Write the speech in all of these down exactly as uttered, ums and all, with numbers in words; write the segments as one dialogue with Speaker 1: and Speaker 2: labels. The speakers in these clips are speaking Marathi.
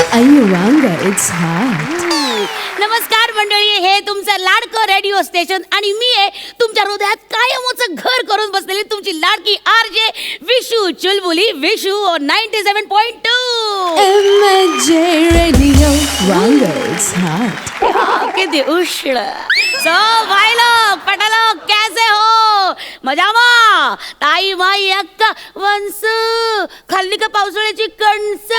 Speaker 1: Ayuranga, it's hot.
Speaker 2: नमस्कार मंडळी, हे तुमचं लाडकं रेडिओ स्टेशन आणि मी आहे तुमच्या हृदयात कायमच घर करून बसलेली तुमची लाडकी आर जे विशू चुलबुली Vishu ninety seven point two
Speaker 1: M J Radio, Ranga, it's hot.
Speaker 2: किती उष्ण. सो भाई लोग पटालोग कैसे हो? मजामा? ताई माई अक्का वंस खाल्ली का पावसाळ्याची कणस.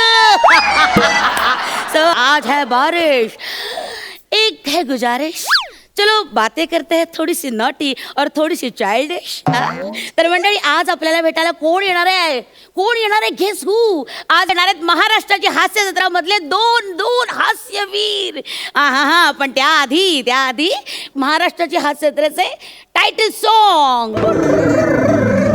Speaker 2: सो आज है बारिश, एक है गुजारिश, चलो बातें करते हैं थोडी सी नॉटी और थोडी सी चाइल्डिश. तर मंडळी, आज आपल्याला भेटायला कोण येणार आहे? कोण येणार आहे? Guess who. आज येणार आहेत महाराष्ट्राची हास्य जत्रा मधले दोन दोन हास्यवीर. हा हा हा पण त्याआधी त्याआधी महाराष्ट्राची हास्य जत्रेचे title song.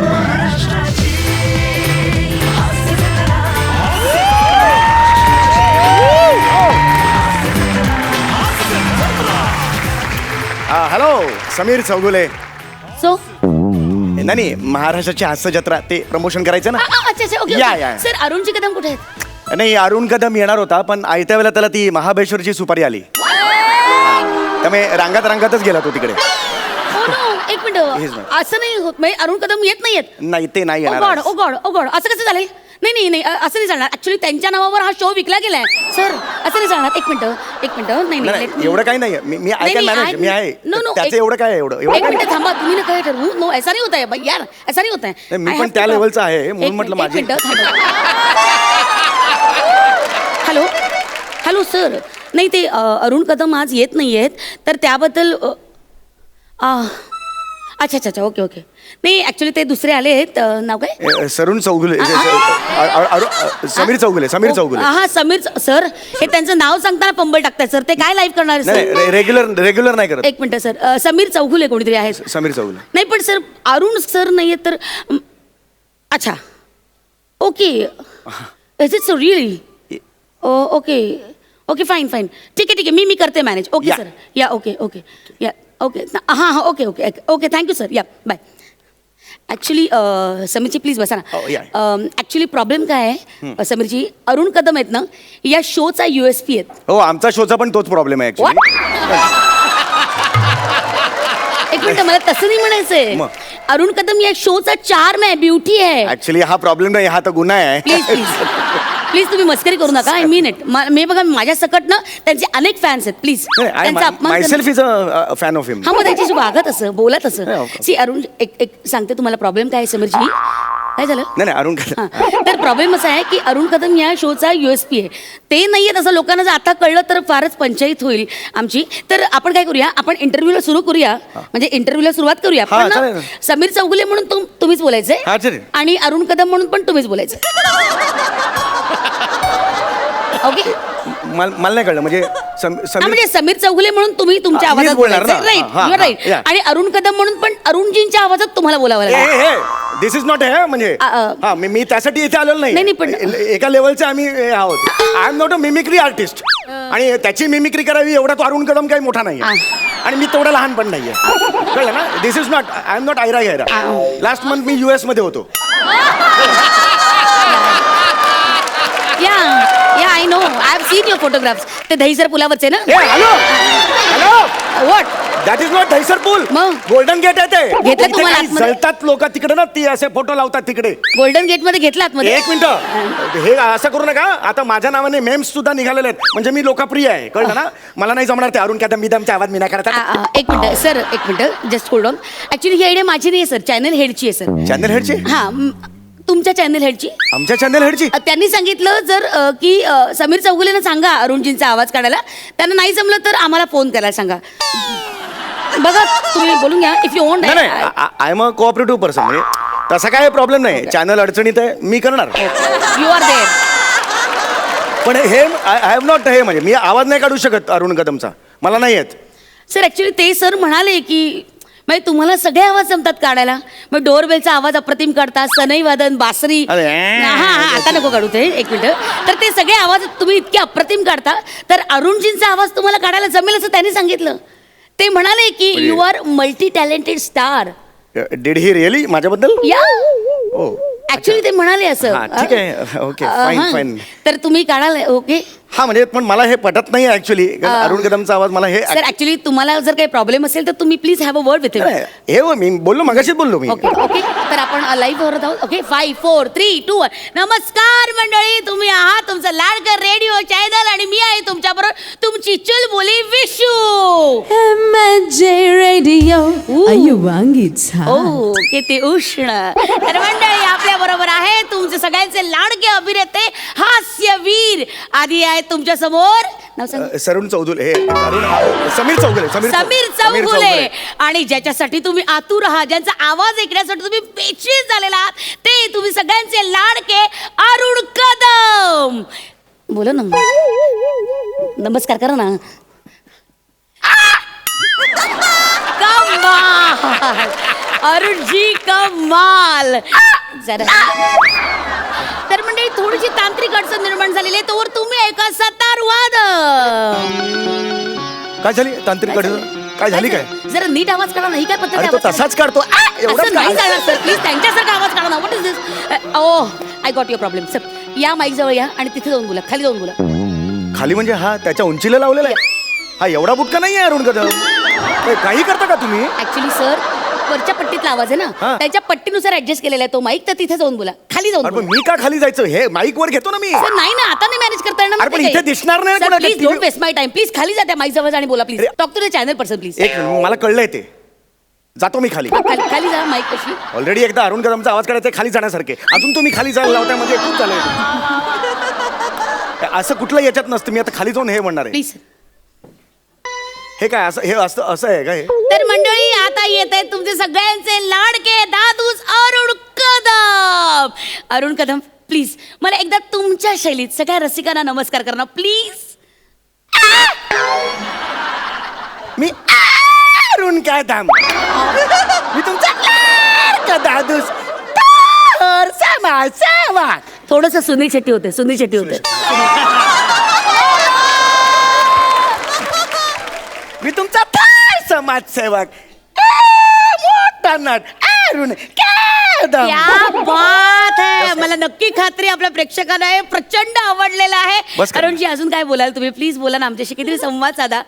Speaker 3: Hello, Sameer Chougule.
Speaker 2: So
Speaker 3: नाही, महाराष्ट्राची हास्य जत्रा ते प्रमोशन करायचं ना.
Speaker 2: अच्छा अच्छा ओके
Speaker 3: या, या.
Speaker 2: सर, अरुणजी कदम कुठे आहेत?
Speaker 3: नाही, अरुण कदम येणार होता, पण आयत्या वेळेला त्याला ती महाबळेश्वरची सुपारी आली, त्यामुळे रांगात रांगातच गेला तो तिकडे.
Speaker 2: हो नो, एक मिनिट, असं नाही होत. म्हणजे अरुण कदम येत नाहीयेत?
Speaker 3: नाही, ते नाही
Speaker 2: ओ गॉड,
Speaker 3: येणार.
Speaker 2: ओ गॉड, ओ गॉड, असं कसं झालंय? नाही नाही नाही, अ- असं नाही चालणार. ऍक्च्युली त्यांच्या नावावर हा शो विकला गेलाय सर. असं नाही चालणार. एक मिनिट एक मिनिट नाही नाही
Speaker 3: नाही,
Speaker 2: let me-
Speaker 3: एवढं काही नाहीये. मी मी
Speaker 2: नाही,
Speaker 3: ऐका
Speaker 2: नाही,
Speaker 3: मॅनेज,
Speaker 2: I-
Speaker 3: मी आहे.
Speaker 2: No, no,
Speaker 3: त्याचं
Speaker 2: एक-
Speaker 3: एवढं काय आहे, एवढं एवढं
Speaker 2: एक
Speaker 3: काय
Speaker 2: मिनिट थांबा, तुम्ही ना काय ठरवू. नो, ऐसा नहीं होता है भाई यार, ऐसा नहीं होता है.
Speaker 3: नाही, मी
Speaker 2: I
Speaker 3: पण
Speaker 2: have
Speaker 3: त्या
Speaker 2: to-
Speaker 3: लेवलचा आहे, म्हणून
Speaker 2: एक
Speaker 3: म्हटलं
Speaker 2: मिनिट, एक
Speaker 3: माझी.
Speaker 2: Minute, hello hello sir. नाही, ते अ, अरुण कदम आज येत नाही आहेत, तर त्याबद्दल अ, आ, अच्छा अच्छा अच्छा ओके ओके. नाही, ॲक्च्युली ते दुसरे आले आहेत. अ, नाव काय?
Speaker 3: ए, सरून चौगुले, अ- अ- अ- समीर चौगुले, समीर चौगुले.
Speaker 2: हा समीर च- सर, हे त्यांचं नाव सांगताना पंबल टाकताय सर. ते काय लाईव्ह करणार आहे,
Speaker 3: नाही,
Speaker 2: सर?
Speaker 3: रेग्युलर रेग्युलर नाही करत.
Speaker 2: एक मिनिट सर. अ, समीर चौगुले कोणीतरी आहेत.
Speaker 3: समीर चौगुले.
Speaker 2: नाही पण सर, अरुण सर नाही आहेत तर अम, अच्छा okay. Is it so really? Okay okay fine fine, ठीक आहे ठीक आहे, मी मी करते manage. Okay
Speaker 3: yeah.
Speaker 2: Sir, yeah okay okay yeah okay हां हां okay okay okay thank you sir. Yeah bye. Actually समीरजी प्लीज बसा
Speaker 3: हो, या.
Speaker 2: ना. ॲक्च्युली प्रॉब्लेम काय आहे समीरजी, अरुण कदम आहेत ना, या शोचा यू एस पी आहेत.
Speaker 3: हो, आमचा शोचा पण तोच प्रॉब्लेम आहे ऍक्च्युली.
Speaker 2: एक मिनिट, मला तसं नाही म्हणायचंय.
Speaker 3: मग?
Speaker 2: अरुण कदम या शोचा चार्म आहे, ब्युटी आहे.
Speaker 3: ऍक्च्युली हा प्रॉब्लेम नाही, हा तर गुन्हा आहे.
Speaker 2: प्लीज प्लीज प्लीज तुम्ही मस्करी करू नका. I mean it. मी बघा, माझ्या सकट ना त्यांचे अनेक फॅन्स आहेत. प्लीज त्यांचा अपमान
Speaker 3: माय
Speaker 2: करू-
Speaker 3: self is a fan of him.
Speaker 2: हा, मग त्यांच्याशी वागत असं, बोलत असं.
Speaker 3: Yeah, of course.
Speaker 2: See Arun, एक एक सांगते तुम्हाला प्रॉब्लेम काय आहे समीरजी. काय झालं?
Speaker 3: नाही नाही, अरुण कदम.
Speaker 2: हां, तर प्रॉब्लेम असा आहे की अरुण कदम या शोचा युएसपी आहे. ते नाही आहेत असं लोकांना जर आता कळलं तर फारच पंचायत होईल आमची. तर आपण काय करूया, आपण इंटरव्ह्यूला सुरू करूया, म्हणजे इंटरव्ह्यूला सुरुवात करूया.
Speaker 3: हां,
Speaker 2: पण
Speaker 3: चालेल
Speaker 2: ना,
Speaker 3: ना.
Speaker 2: समीर चौगुले म्हणून तुम तुम्हीच बोलायचंय
Speaker 3: हां, चालेल.
Speaker 2: आणि अरुण कदम म्हणून पण तुम्हीच बोलायचं. ओके.
Speaker 3: मला मला नाही कळलं, म्हणजे सम-
Speaker 2: हा,
Speaker 3: समीर
Speaker 2: म्हणजे समीर चौगुले म्हणून तुम्ही तुमच्या
Speaker 3: हा, मीच
Speaker 2: आवाजात
Speaker 3: बोलणार ना.
Speaker 2: राईट
Speaker 3: हा, हा,
Speaker 2: राईट.
Speaker 3: या.
Speaker 2: आणि अरुण कदम म्हणून पण अरुणजींच्या आवाजात तुम्हाला बोलावं लागेल.
Speaker 3: दिस इज नॉट हे म्हणजे
Speaker 2: अ, अ.
Speaker 3: हा, मी मी त्यासाठी इथे आलेलो
Speaker 2: नाही, नाही, पण-
Speaker 3: ए- एका लेवलचे आम्ही हे आहोत. I am not a mimicry artist, आणि त्याची मिमिक्री करावी एवढा तो अरुण कदम काही मोठा नाही, आणि मी तेवढा लहान पण नाहीये. कळलं ना? This is not, I am not आयरा गैरा. लास्ट मंथ मी युएस मध्ये होतो.
Speaker 2: Yeah yeah I know, I have seen your photographs. ते दहीसर पुलावरचे ना?
Speaker 3: ए, hello hello,
Speaker 2: what?
Speaker 3: That is not Dahisar पूल,
Speaker 2: मग?
Speaker 3: गोल्डन गेट आहे ते.
Speaker 2: घेतलं
Speaker 3: इथे
Speaker 2: तुम्हाला
Speaker 3: काही
Speaker 2: आतमध्ये?
Speaker 3: जळतात लोक तिकडे ना, ती असे फोटो लावतात तिकडे.
Speaker 2: गोल्डन गेट मध्ये घेतलात मध्ये?
Speaker 3: एक मिनिट, हे असं करू नका. आता माझ्या नावाने मेम्स सुद्धा निघालेले आहेत, म्हणजे मी लोकप्रिय आहे. कळलं ना? मला नाही जमणार ते अरुण कदम बिदमचा आवाज मी नाही करत.
Speaker 2: आ, आ, एक मिनिट सर, एक minute, just hold on. Actually ही आयडिया माझी नाही आहे सर, चॅनल हेडची आहे सर.
Speaker 3: चॅनल हेडची?
Speaker 2: हा, म, तुमच्या चॅनल हेडची.
Speaker 3: आमच्या चॅनल हेडची?
Speaker 2: अ, त्यांनी सांगितलं जर अ, की अ, समीर चौगुलेनं सांगा अरुणजींचा आवाज काढायला. त्यांना नाही जमलं तर आम्हाला फोन करायला सांगा. बघा, तुम्ही बोलून घ्या इफ यू वॉन्ट.
Speaker 3: नाही नाही, I am a cooperative person, म्हणजे तसा काय प्रॉब्लेम नाही. चॅनल अडचणीत आहे, मी करणार.
Speaker 2: You are there.
Speaker 3: पण हे आय हॅव नॉट, हे म्हणजे मी आवाज नाही काढू शकत अरुण कदमचा, मला नाही येत.
Speaker 2: सर ऍक्च्युली ते सर म्हणाले की म्हणजे तुम्हाला सगळे आवाज जमतात काढायला. मग डोरबेलचा आवाज अप्रतिम काढतात, सनई वादन, बासरी.
Speaker 3: अरे,
Speaker 2: हा हा, आता नको काढू ते, एक मिनिट. तर ते सगळे आवाज तुम्ही इतके अप्रतिम काढता, तर अरुणजींचा आवाज तुम्हाला काढायला जमेल असं त्यांनी सांगितलं. ते म्हणाले की you are multi talented star.
Speaker 3: Did he really माझ्याबद्दल?
Speaker 2: या
Speaker 3: ओ
Speaker 2: ऍक्च्युली ते म्हणाले असं
Speaker 3: हा, ठीक आहे. ओके,
Speaker 2: अ,
Speaker 3: फाईन,
Speaker 2: हा.
Speaker 3: फाईन.
Speaker 2: तर तुम्ही काढाल ओके
Speaker 3: हा म्हणजे पण मला हे पटत नाही ऍक्च्युली अरुण कदमचा आवाज मला हे
Speaker 2: सर ऍक्च्युली तुम्हाला जर काही प्रॉब्लेम असेल तर तुम्ही please have a word with
Speaker 3: नाही, हे हो, मी बोललो मगाशीच बोललो मी
Speaker 2: ओके ओके तर आपण लाईव्ह होत आहोत okay five four three two one नमस्कार मंडळी तुम्ही आहात तुमचं लाडकर रेडिओ चॅनल आणि मी आहे तुमच्याबरोबर तुमची चुलबुली विशू
Speaker 1: M J Radio. अयुवांगीच हा
Speaker 2: ओ किती उष्ण तर मंडळी आपल्या बरोबर आहे तुमचे सगळ्यांचे लाडके अभिनेते हास्यवीर आधी आहेत तुमच्या समोर नाव सांग
Speaker 3: अ, सरुण चौधुले हे अरुण समीर चौगुले
Speaker 2: समीर चौगुले आणि ज्याच्यासाठी तुम्ही आतुर आहात ज्यांचा आवाज ऐकण्यासाठी तुम्ही बेचैन झालेला आहात ते तुम्ही सगळ्यांचे लाडके अरुण कदम बोला ना नमस्कार करा ना कमाल अरुण जी कमाल जरा तर मंडळी थोडीशी तांत्रिक अडचण निर्माण झालेली आहे तोवर तुम्ही ऐका सतार वाद
Speaker 3: काय झाली तांत्रिक अडचण? काय झाली काय
Speaker 2: जरा नीट आवाज काढा नाही काय पद्धत
Speaker 3: अरे
Speaker 2: आहे
Speaker 3: तो
Speaker 2: आवाज
Speaker 3: तसाच काढतो आ, एवढंच
Speaker 2: असं नाही
Speaker 3: काय?
Speaker 2: चालणार सर प्लीज त्यांच्यासारखा आवाज काढा ना what is this oh I got your problem sir या माईक जवळ या आणि तिथे जाऊन बोला खाली जाऊन बोला
Speaker 3: खाली म्हणजे हा त्याच्या उंचीला लावलेला आहे हा एवढा बुटका नाही आहे अरुण कदम हे काही करता का तुम्ही
Speaker 2: ऍक्च्युली सर वरच्या पट्टीतला आवाज आहे ना
Speaker 3: हा.
Speaker 2: त्याच्या पट्टीनुसार ऍडजस्ट केलेला आहे तो माईक तर तिथे जाऊन बोला खाली जाऊन
Speaker 3: अरे पण
Speaker 2: बोला
Speaker 3: मी का खाली जायचं हे माईक वर घेतो ना मी
Speaker 2: सर नाही ना आता नाही मॅनेज करता
Speaker 3: अरे पण इथे दिसणार नाही कोणाला
Speaker 2: please
Speaker 3: T V
Speaker 2: don't waste my time please खाली जा त्या माईक जवळ आणि बोला प्लीज
Speaker 3: अरे.
Speaker 2: Talk to the channel person please
Speaker 3: एक मिनिट, मला कळलंय ते जातो मी खाली
Speaker 2: खाली खाली जा माईक कशी
Speaker 3: ऑलरेडी एकदा अरुण कदमचा आवाज काढायचा आहे, खाली जाण्यासारखे अजून तुम्ही खाली जायला लावताय म्हणजे खूप झालंय असं कुठलं याच्यात नसतं मी आता खाली जाऊन हे म्हणणार आहे
Speaker 2: प्लीज
Speaker 3: हे काय असं हे असं असं आहे का हे
Speaker 2: तर मंडळी आता येत आहेत तुमचे सगळ्यांचे लाडके दादूस अरुण कदम अरुण कदम प्लीज मला एकदा तुमच्या शैलीत सगळ्या रसिकांना नमस्कार करा प्लीज
Speaker 3: मी अरुण कदम मी तुमचा लाडका दादूस तर समाज सेवक.
Speaker 2: थोडस सुनील शेट्टी होते सुनील शेट्टी होते
Speaker 3: मी तुमचा फार समाजसेवक मोठा नट अरुण कदम.
Speaker 2: क्या बात है मला नक्की खात्री आपल्या प्रेक्षकांना हे प्रचंड आवडलेलं आहे
Speaker 3: बस करा.
Speaker 2: अरुणजी अजून काय बोलाल तुम्ही प्लीज बोला ना आमच्याशी किती संवाद साधा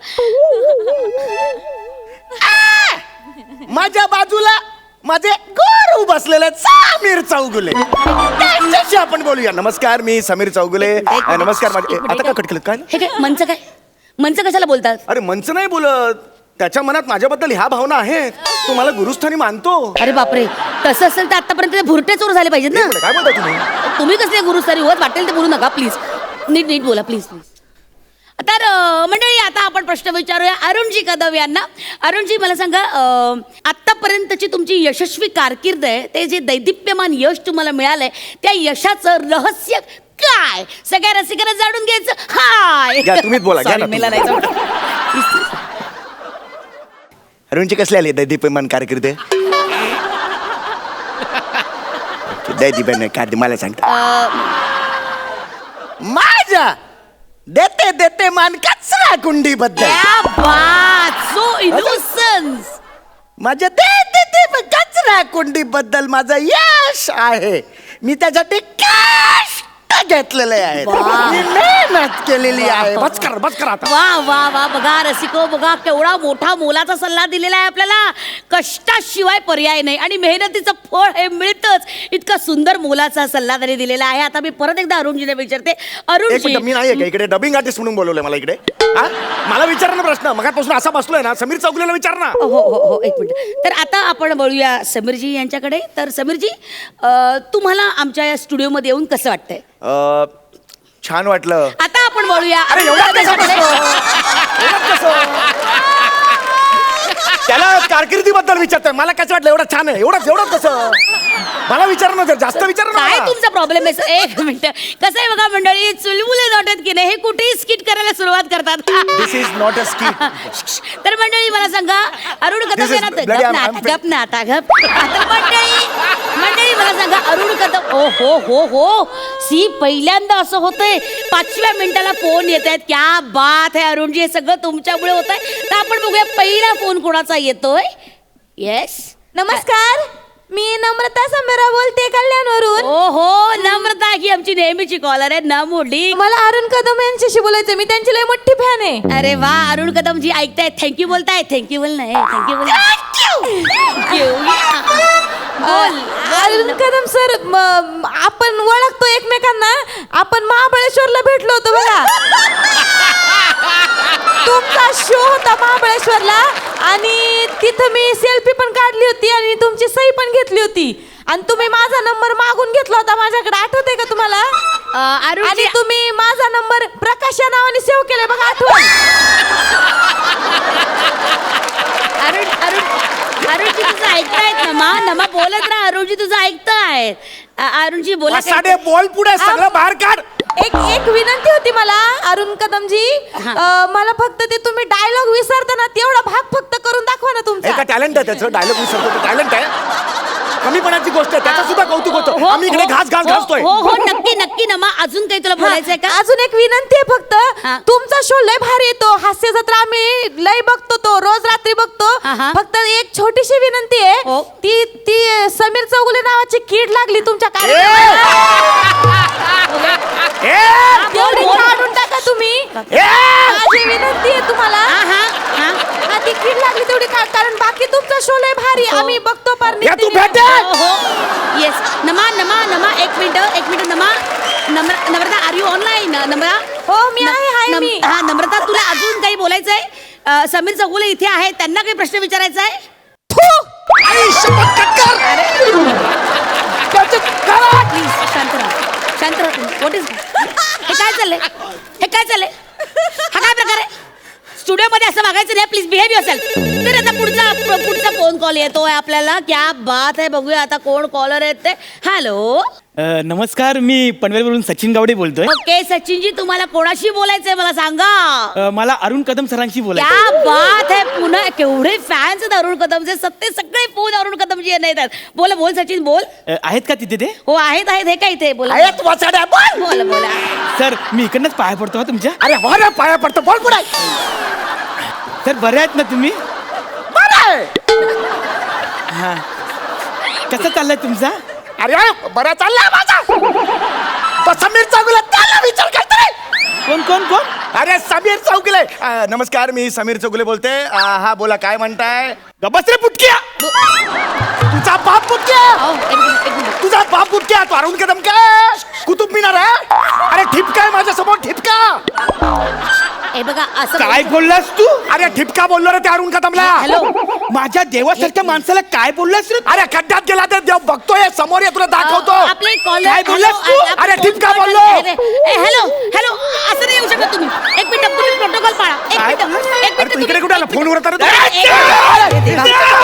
Speaker 3: माझ्या बाजूला माझे गुरु बसलेले आहेत, समीर चौगुले त्यांच्याशी आपण बोलूया. नमस्कार मी समीर चौगुले अ, नमस्कार माझे ए, आता का कट केलं काय
Speaker 2: हे काय मंच काय मंच कशाला बोलतात
Speaker 3: अरे मंच नाही बोलत त्याच्या मनात माझ्याबद्दल ह्या भावना आहेत तो मला गुरुस्थानी मानतो.
Speaker 2: अरे बापरे तसं असेल तर आतापर्यंत ते भुरटे चोर झाले पाहिजेत ना
Speaker 3: काय बोलता तुम्ही
Speaker 2: तुम्ही कसले गुरुस्थानी होत वाटेल ते बोलू नका प्लीज नीट नीट बोला प्लीज प्लीज तर अं, मंडळी आता आपण प्रश्न विचारूया अरुणजी कदम यांना अरुणजी मला सांगा अं, आत्तापर्यंतची तुमची यशस्वी कारकीर्द आहे ते जे दैदिप्यमान यश तुम्हाला मिळालंय त्या यशाचं रहस्य काय सगळ्या रसिकांना जाणून घ्यायचं हाय
Speaker 3: घ्या, तुम्हीच बोला, घ्या ना
Speaker 2: Sorry, मला
Speaker 3: तुम्ही.
Speaker 2: नाही जमलं.
Speaker 3: अरुणची कसली आली दैदीप्यमान कारकीर्द दैदीप्यमान कारकीर्द मला सांगता
Speaker 2: अं,
Speaker 3: माझ्या देते देते मान कचरा कुंडी बद्दल
Speaker 2: क्या बात सो इनोसन्स
Speaker 3: माझ्या देते ते कचरा कुंडी बद्दल माझं यश आहे मी त्यासाठी कष्ट घेतलेले आहेत
Speaker 2: वा.
Speaker 3: मी मेहनत केलेली आहे बस कर बस कर आता
Speaker 2: वा वा वा बघा रसिको बघा केवढा मोठा मोलाचा सल्ला दिलेला आहे आपल्याला कष्टाशिवाय पर्याय नाही आणि मेहनतीचं फळ हे मिळतच इतका सुंदर मोलाचा सल्ला त्यांनी दिलेला आहे आता मी परत एकदा अरुणजीने विचारते
Speaker 3: एक
Speaker 2: अरुणजी
Speaker 3: मिनिट मी नाही का इकडे डबिंग आर्टिस्ट म्हणून बोलवलंय मला इकडे हा? मला विचार ना प्रश्न मगापासून असा बसलोय ना समीर चौगुलेला विचार ना
Speaker 2: हो हो हो एक मिनिट तर आता आपण बोलूया समीरजी यांच्याकडे तर समीरजी अं, तुम्हाला आमच्या या स्टुडिओमध्ये येऊन कसं वाटतंय
Speaker 3: अ, छान वाटलं
Speaker 2: आता आपण बोलूया
Speaker 3: अरे एवढं कसं
Speaker 2: यांच्याकडे.
Speaker 3: एवढं कसं? त्याला कारकिर्दीबद्दल विचारतोय मला कसं वाटलं एवढं छान आहे एवढंच एवढंच कसं मला विचार ना जर जास्त विचार ना
Speaker 2: काय
Speaker 3: मला.
Speaker 2: तुमचा प्रॉब्लेम आहे sir? एक मिनिट कसं आहे बघा मंडळी चुलबुले नोटेत की नाही हे कुठेही स्किट करायला सुरुवात करतात
Speaker 3: this is not a skit
Speaker 2: तर मंडळी मला सांगा अरुण
Speaker 3: This
Speaker 2: कदम
Speaker 3: is
Speaker 2: यांना
Speaker 3: bloody-
Speaker 2: गप ना
Speaker 3: I'm-
Speaker 2: आता, गप ना आता गप आता मंडळी मंडळी मला सांगा अरुण कदम ओ हो हो हो सी पहिल्यांदा असं होतंय पाचव्या मिनिटाला फोन येत आहेत क्या बात आहे अरुणजी हे सगळं तुमच्यामुळे होत आहे तर आपण बघूया पहिला फोन कोणाचा येतोय येस
Speaker 4: नमस्कार मी नम्रता समेरा बोलते कल्याणवरून
Speaker 1: कोण
Speaker 2: ओ हो नम्रता ही आमची नेहमीची कॉलर आहे नमुडी.
Speaker 1: मला अरुण कदम यांच्याशी बोलायचं, मी त्यांची लय मोठी फॅन आहे.
Speaker 2: अरे वा अरुण कदम जी ऐकताय थँक्यू बोलताय. थँक्यू बोल नाही थँक्यू बोल थँक्यू बोल.
Speaker 1: अरुण कदम सर, म- आपण ओळखतो एकमेकांना. आपण महाबळेश्वरला भेटलो होतो बघा. तुमचा शो होता महाबळेश्वरला आणि तिथं मी सेल्फी पण काढली होती आणि तुमची सही पण घेतली होती आणि तुम्ही माझा नंबर मागून घेतला होता माझ्याकडे. आठवतंय का तुम्हाला?
Speaker 2: अरुण
Speaker 1: आणि तुम्ही माझा नंबर प्रकाश या नावाने सेव्ह केलाय बघा, आठवण.
Speaker 2: अरुण अरुण अरुणजी तुझं ऐकतायत नमा नमा बोलत राहा. अरुणजी तुझं ऐकतायत. अ- अरुणजी बोला काय-
Speaker 3: साडे बोल पुढे सगळं बाहेर काढ.
Speaker 1: एक एक विनंती होती मला अरुण कदमजी, अं, मला फक्त ते तुम्ही डायलॉग विसरताना तेवढा भाग फक्त करून दाखवा ना तुमचा.
Speaker 3: एका टॅलेंट आहे त्याचं, डायलॉग विसरतो टॅलेंट आहे. कमीपणाची गोष्ट आहे, त्याचं सुद्धा कौतुक
Speaker 2: हो,
Speaker 3: होतं. आम्ही इकडे घास घास
Speaker 2: हो,
Speaker 3: घासतोय.
Speaker 2: हो हो नक्की नक्की नमा. अजून काही तुला बोलायचंय का?
Speaker 1: हा, अजून एक विनंती आहे फक्त.
Speaker 2: हा.
Speaker 1: तुमचा शो लय भारी येतो, हास्य जत्रा आम्ही लय बघतो, तो रोज रात्री बघतो.
Speaker 2: हा, हा.
Speaker 1: फक्त एक छोटीशी विनंती आहे,
Speaker 2: हो.
Speaker 1: ती ती समीर चौगुले नावाची कीड लागली तुमच्या
Speaker 3: ए!
Speaker 1: कार्यक्रमात.
Speaker 3: ए!
Speaker 1: तेवढी
Speaker 2: बोल.
Speaker 1: काढून टाका तुम्ही.
Speaker 3: ए!
Speaker 1: माझी विनंती आहे तुम्हाला.
Speaker 2: हा हा हा
Speaker 1: हा, ती कीड लागली तेवढी काढ, कारण बाकी तुमचा शो लय भारी
Speaker 2: हो.
Speaker 1: आम्ही बघतो पार
Speaker 3: या तू
Speaker 1: नित्य.
Speaker 3: भेटे.
Speaker 2: हो हो येस नमा नमा नमा एक मिनिट एक मिनिट नमा. नम्र Namrata are you online Namra?
Speaker 1: हो मी आहे हाय
Speaker 2: नम-
Speaker 1: मी.
Speaker 2: हा नम्रता तुला अजून काही बोलायचंय? अ, समीर चौगुले इथे आहेत, त्यांना काही प्रश्न विचारायचा आहे?
Speaker 3: आई, शपथ कट कर. त्याचं करा.
Speaker 2: प्लीज शांत राहा शांत राहा तुम्ही. व्हॉट इज हे काय चाललंय हे काय चाललंय हा काय प्रकार आहे? स्टुडिओमध्ये असं वागायचं नाही. Please behave yourself. तर आता पुढचा पु- पुढचा फोन कॉल येतोय आपल्याला. क्या बात आहे, बघूया आता कोण कॉलर आहेत ते. हॅलो
Speaker 4: अ, नमस्कार, मी पनवेलवरून सचिन गावडे बोलतोय.
Speaker 2: ओके सचिनजी तुम्हाला कोणाशी बोलायचंय मला सांगा.
Speaker 4: अ, मला अरुण कदम सरांशी बोलायचं.
Speaker 2: क्या बात आहे, पुन्हा केवढे फॅन्स आहेत अरुण कदमचे. सत्ते सगळे फोन अरुण कदमजी यांना येतात. बोला बोल सचिन बोल.
Speaker 4: अ, आहेत का तिथे ते?
Speaker 2: हो आहेत आहेत हे काय इथे बोला
Speaker 3: आहे तू वाचाड्या, बोल.
Speaker 2: बोला बोला.
Speaker 4: सर मी इकडनंच पाया पडतो हा तुमच्या.
Speaker 3: अरे हो रे, पाया पडतो, बोल पुढे.
Speaker 4: सर बरे आहेत ना तुम्ही?
Speaker 3: बरं आहे.
Speaker 4: हा, कसं चाललंय तुमचा?
Speaker 3: अरे बरा चाललाय माझा. तो समीर चौगुले, त्याला विचार करतोय.
Speaker 4: कोण कोण कोण?
Speaker 3: अरे समीर चौगुले. अ, नमस्कार, मी समीर चौगुले बोलते. अ, हा बोला, काय म्हणताय?
Speaker 4: गबस रे पुटक्या.
Speaker 3: तुझा बाप बुटक्या.
Speaker 2: हो, एक मिनिट, एक मिनिट.
Speaker 3: तुझा बाप बुटक्या. तू अरुण कदम काय कुतुब मिनार आहे? अरे ठिपका आहे माझ्यासमोर, ठिपका.
Speaker 2: हे बघा असं
Speaker 4: काय बोललास तू?
Speaker 3: अरे ठिपका बोललो रे त्या अरुण कदमला.
Speaker 2: हॅलो
Speaker 4: माझ्या देवासारख्या माणसाला काय बोललास रे?
Speaker 3: अरे खड्ड्यात गेला तर देव बघतोय समोर, ये तुला दाखवतो.
Speaker 2: आपले कॉल
Speaker 4: काय बोललास तू?
Speaker 3: अरे, ठिपका बोललो.
Speaker 2: हॅलो हॅलो असं नाही येऊ शकत तुम्ही. एक मिनिट तुम्ही प्रोटोकॉल पाळा. एक
Speaker 3: काय?
Speaker 2: मिनिट एक
Speaker 3: अरे तू
Speaker 2: मिनिट
Speaker 3: इकडे कुठे आला? फोनवर होता रे तू?
Speaker 2: एक- एक- एक-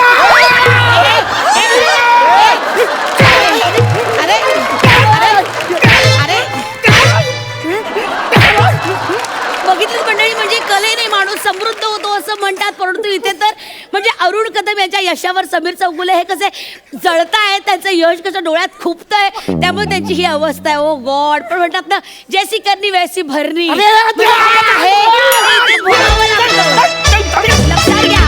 Speaker 2: अरे अरे बघितलं मंडळी, म्हणजे कलेने माणूस समृद्ध होतो असं म्हणतात. परंतु इथे तर म्हणजे अरुण कदम यांच्या यशावर समीर चौगुले हे कसे जळतायत, त्यांचं यश कसं डोळ्यात खुपतंय, त्यामुळे त्यांची ही अवस्था आहे. Oh god. पण म्हणतात ना, जैसी करनी वैसी भरणी.
Speaker 3: अरे,
Speaker 2: म्हणजे आहे, इथे भोगावं लागतं. लक्षात घ्या